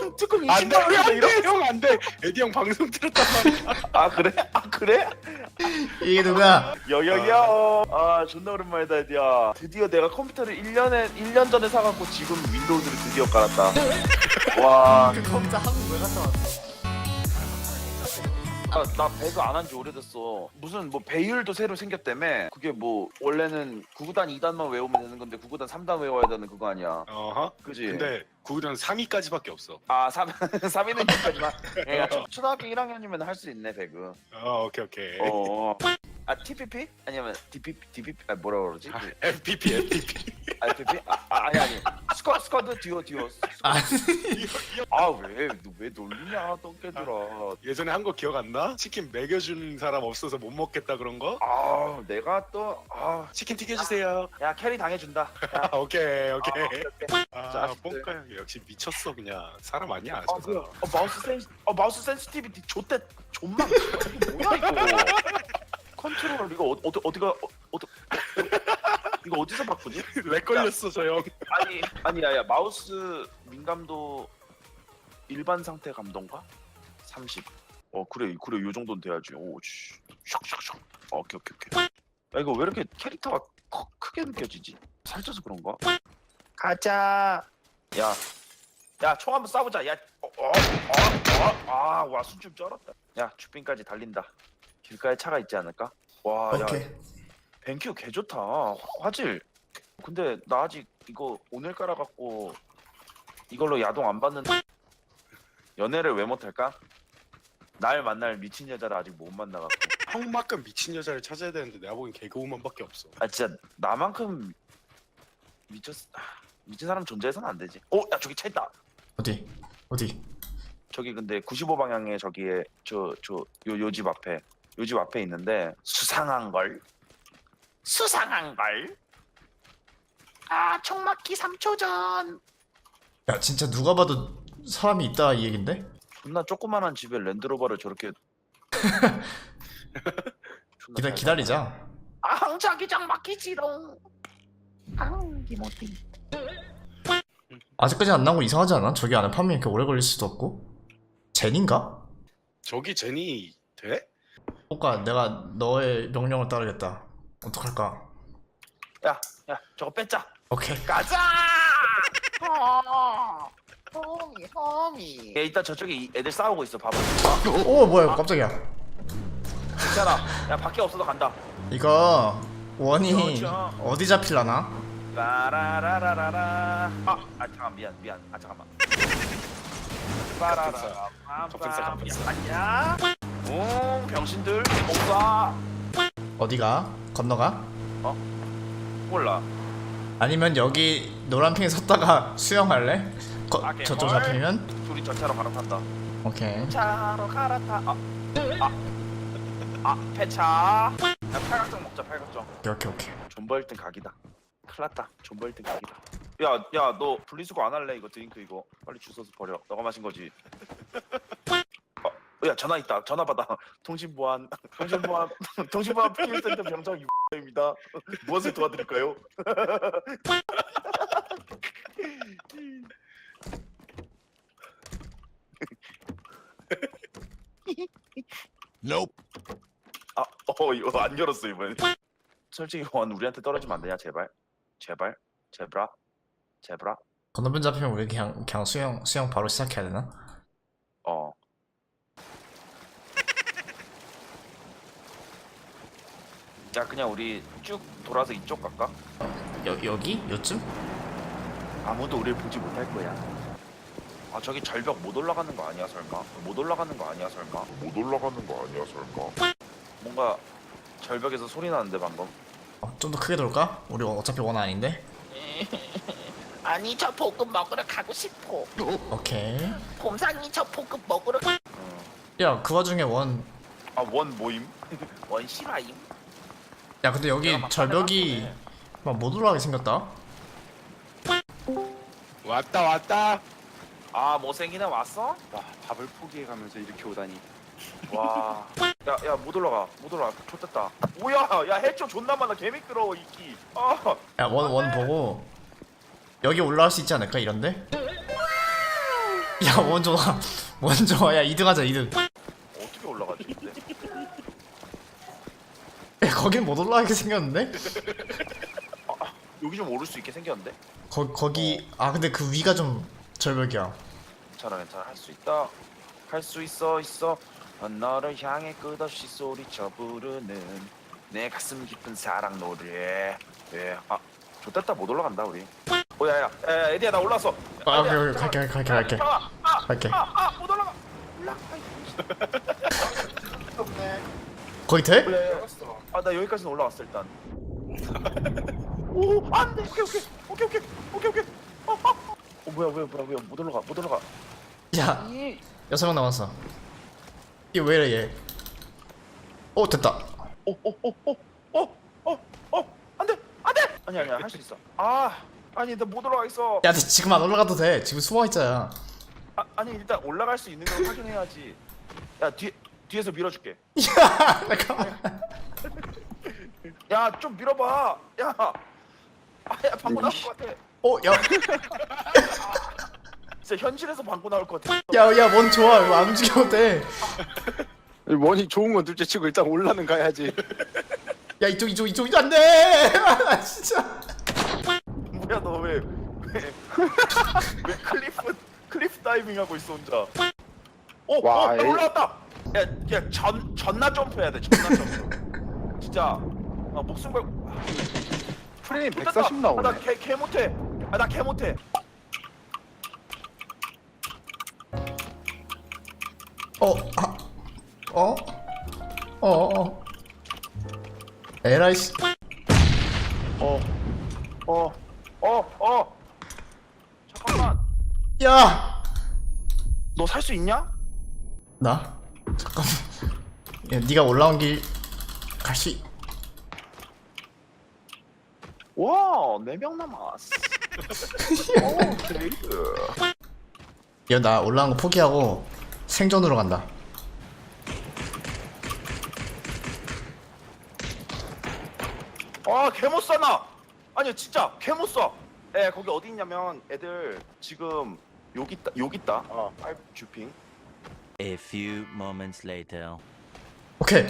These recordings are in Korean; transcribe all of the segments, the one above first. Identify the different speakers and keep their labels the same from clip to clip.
Speaker 1: 특금
Speaker 2: 안돼
Speaker 1: 20만 원이다 이러.
Speaker 2: 안돼 형 안돼. 에디 형 방송 들었단 말이야.
Speaker 1: 아 그래? 아 그래?
Speaker 3: 이게 누구야?
Speaker 1: 여여여. 아 존나 오랜만이다 에디야. 드디어 내가 컴퓨터를 1년 전에 사갖고 지금 윈도우즈를 드디어 깔았다. 와.
Speaker 3: 그 컴퓨터 한국 왜 갔다 왔어?
Speaker 1: 나 배그 안 한 지 오래됐어. 무슨 뭐 배율도 새로 생겼다며. 그게 뭐 원래는 9구단 2단만 외우면 되는 건데 9구단 3단 외워야 되는 그거 아니야.
Speaker 2: 어허.
Speaker 1: 그지?
Speaker 2: 근데 구구단 3위까지밖에 없어.
Speaker 1: 아 3위는 여기까지만. 그러니까 초등학교 1학년이면 할 수 있네 배그.
Speaker 2: 오케이 오케이.
Speaker 1: 아 TPP? 아니면 DPP? 아 뭐라 그러지? 그
Speaker 2: FPP FPP.
Speaker 1: IPP? 아니 스쿼드 듀오
Speaker 3: 아니
Speaker 1: 왜 놀리냐 똥개들아.
Speaker 2: 예전에 한 거 기억 안 나? 치킨 먹여준 사람 없어서 못 먹겠다 그런 거?
Speaker 1: 아 내가 또
Speaker 2: 치킨 튀겨주세요.
Speaker 1: 야 캐리 당해준다. 야.
Speaker 2: 오케이.
Speaker 1: 오케이. 자식들.
Speaker 2: 뽕까 형 역시 미쳤어 그냥. 사람 아니야
Speaker 1: 아
Speaker 2: 저
Speaker 1: 뭐야?
Speaker 2: 사람.
Speaker 1: 마우스 센시티비티 좆대 존망. 이게 뭐야 이거? 컨트롤 이거 이거 어디서 바꾸지?
Speaker 2: 렉 걸렸어 저 형.
Speaker 1: 아니야 마우스 민감도 일반 상태 감도인가? 30. 그래 요 정도는 돼야지. 오씨 샥샥샥. 오케이. 야 이거 왜 이렇게 캐릭터가 크게 느껴지지? 살쪄서 그런가? 가자. 야 총 한번 쏴보자. 야 와 숨좀 쩔었다. 야 주빈까지 달린다. 길가에 차가 있지 않을까? 와 야
Speaker 3: 오케이.
Speaker 1: 벤큐 개 좋다. 화질. 근데 나 아직 이거 오늘 깔아갖고 이걸로 야동 안 받는데 연애를 왜 못할까? 날 만날 미친 여자를 아직 못 만나갖고.
Speaker 2: 형만큼 미친 여자를 찾아야 되는데 내가 보기엔 개그우먼밖에 없어.
Speaker 1: 아 진짜 나만큼 미친 사람 존재해서는 안 되지. 야 저기 차 있다.
Speaker 3: 어디?
Speaker 1: 저기 근데 95방향에 저기에 요 집 앞에 있는데 수상한 걸. 총 맞기 3초 전.
Speaker 3: 야 진짜 누가 봐도 사람이 있다 이 얘긴데?
Speaker 1: 존나 조그만한 집에 랜드로버를 저렇게
Speaker 3: 기다리자.
Speaker 1: 자기장 막히지롱. 기모티.
Speaker 3: 아직까지 안 나온 거 이상하지 않아? 저기 안에 파밍 이렇게 오래 걸릴 수도 없고. 젠인가?
Speaker 2: 저기 제니 돼?
Speaker 3: 오까 내가 너의 명령을 따르겠다. 어떡할까?
Speaker 1: 야 저거 뺐자.
Speaker 3: 오케이.
Speaker 1: 가자.
Speaker 4: 허미.
Speaker 1: 야 이따 저쪽에 애들 싸우고 있어. 봐봐.
Speaker 3: 오 뭐야 깜짝이야.
Speaker 1: 괜찮아. 야 밖에 없어도 간다.
Speaker 3: 이거 원이
Speaker 1: 그렇죠.
Speaker 3: 어디 잡힐라나?
Speaker 1: 라라라라라라. 잠깐 미안. 잠깐만. 빠라라라.
Speaker 2: 갑분싸.
Speaker 1: 아니야. 병신들 공사.
Speaker 3: 어디가? 건너가?
Speaker 1: 몰라.
Speaker 3: 아니면 여기 노란핑에 섰다가 수영할래? 저쪽 잡히면?
Speaker 1: 둘이 저 차로 갈아탄다.
Speaker 3: 오케이.
Speaker 1: 차로 갈아타. 폐차. 야 팔각정 먹자. 팔각정.
Speaker 3: 오케이.
Speaker 1: 존버 1등 각이다. 큰일났다. 존버 1등 각이다. 야 너 분리수거 안 할래? 이거 드링크 이거 빨리 주워서 버려. 너가 마신 거지. 야 전화 있다. 전화 받아. 통신보안 필센터 병장 입니다. 무엇을 도와드릴까요?
Speaker 2: Nope.
Speaker 1: 이거 안 열었어 이번에. 솔직히 원 우리한테 떨어지면 안 되냐 제발. 제브라.
Speaker 3: 건너편 잡히면 우리 그냥 수영 바로 시작해야 되나?
Speaker 1: 야 그냥 우리 쭉 돌아서 이쪽 갈까?
Speaker 3: 여기? 요쯤?
Speaker 1: 아무도 우리를 보지 못할 거야. 저기 절벽 못 올라가는 거 아니야 설마? 뭔가 절벽에서 소리 나는데 방금.
Speaker 3: 좀 더 크게 돌까? 우리 어차피 원 아닌데?
Speaker 4: 아니 저 볶음 먹으러 가고 싶어.
Speaker 3: 오케이.
Speaker 4: 봄상이 저 볶음 먹으러 가.
Speaker 3: 야 그 와중에 원.
Speaker 1: 원 모임?
Speaker 4: 원 실화임.
Speaker 3: 야 근데 여기
Speaker 1: 내가 막
Speaker 3: 절벽이
Speaker 1: 화내봤네.
Speaker 3: 막 못 올라가게 생겼다.
Speaker 2: 왔다.
Speaker 1: 못생기네 왔어?
Speaker 2: 와 밥을 포기해가면서 이렇게 오다니.
Speaker 1: 와. 야 못 올라가. 좋됐다. 뭐야? 야 해초 존나 많아. 개미끄러워 이끼.
Speaker 3: 야 원 보고 여기 올라갈 수 있지 않을까 이런데? 야 먼저 와. 먼저 와. 야 2등하자 2등.
Speaker 1: 어떻게 올라가지 근데?
Speaker 3: 야 거긴 못 올라가게 생겼는데?
Speaker 1: 여기 좀 오를 수 있게 생겼는데?
Speaker 3: 거기 아 근데 그 위가 좀 절벽이야.
Speaker 1: 괜찮아 할 수 있다. 할 수 있어. 너를 향해 끝없이 소리쳐 부르는 내 가슴 깊은 사랑 노래. 예. 아 좋됐다 못 올라간다 우리. 야야 에디야 나 올라왔어.
Speaker 3: 아 오케이 갈게. 갈게.
Speaker 1: 못 올라가.
Speaker 3: 거기 돼?
Speaker 1: 그래. 아나 여기까지는 올라왔어 일단. 오 안돼. 오케이. 뭐야 못 올라가.
Speaker 3: 야
Speaker 1: 이
Speaker 3: 6명 남았어. 이거 왜 이래 얘? 됐다.
Speaker 1: 안돼. 아니야 할 수 있어. 아니 나 못 올라가겠어.
Speaker 3: 야 너 지금 안 올라가도 돼. 지금 숨어 있잖아.
Speaker 1: 아니 일단 올라갈 수 있는 걸 확인해야지. 야 뒤에서 밀어줄게.
Speaker 3: 야 잠깐만.
Speaker 1: 야 좀 밀어봐. 야 방구 나올 것 같아.
Speaker 3: 야.
Speaker 1: 진짜 현실에서 방구 나올 것 같아.
Speaker 3: 야, 뭔 좋아. 이거 안 움직여도 돼.
Speaker 2: 원이 좋은 건 둘째 치고 일단 올라는 가야지.
Speaker 3: 야, 이쪽 안 돼. 아, 진짜.
Speaker 1: 뭐야 너 왜 클리프 다이빙 하고 있어 혼자.
Speaker 2: 와,
Speaker 1: 나
Speaker 2: 에이.
Speaker 1: 올라왔다. 야 전나 점프해야 돼. 전나 점프. 진짜 목숨 걸.
Speaker 2: 프레임 140 나오네.
Speaker 1: 나개 못해. 나 개 못해.
Speaker 3: 에라이 씨.
Speaker 1: 잠깐만.
Speaker 3: 야.
Speaker 1: 너 살 수 있냐?
Speaker 3: 나? 잠깐만. 야, 네가 올라온 길 갈수
Speaker 1: 와, 4명 남았어. 오, 데이드.
Speaker 3: 야, 나 올라온 거 포기하고 생존으로 간다.
Speaker 1: 개못 쏴나. 아니 진짜 개못 쏴. 거기 어디 있냐면 애들 지금 여기 있다. 파이브 주핑.
Speaker 5: A few moments later.
Speaker 3: 오케이.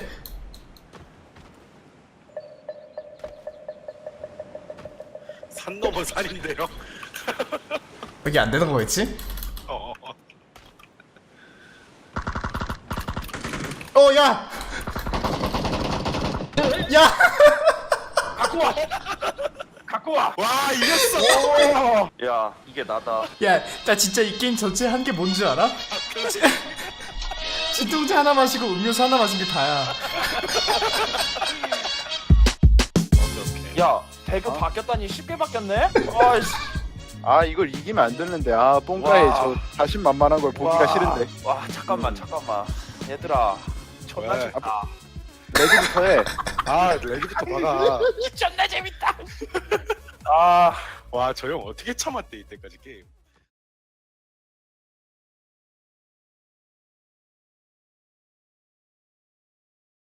Speaker 2: 산 넘어 산인데요.
Speaker 3: 여기 안 되는 거겠지? 야! 야!
Speaker 1: 갖고 와.
Speaker 2: 와 이겼어.
Speaker 1: 야, 이게 나다.
Speaker 3: 야, 나 진짜 이 게임 전체 한 게 뭔지 알아? 진통제 하나 마시고 음료수 하나 마신 게 다야.
Speaker 1: 야, 배그 바뀌었다니 쉽게 바뀌었네? 아이씨.
Speaker 2: 아 이걸 이기면 안 되는데 뽕가에
Speaker 1: 와.
Speaker 2: 저 자신만만한 걸 보기가 싫은데.
Speaker 1: 와, 잠깐만. 얘들아. 존나
Speaker 2: 왜?
Speaker 1: 좋다.
Speaker 2: 레드부터 해. 레드부터 박아.
Speaker 4: 존나 재밌다.
Speaker 1: 아.
Speaker 2: 와 저 형 어떻게 참았대 이때까지 게임.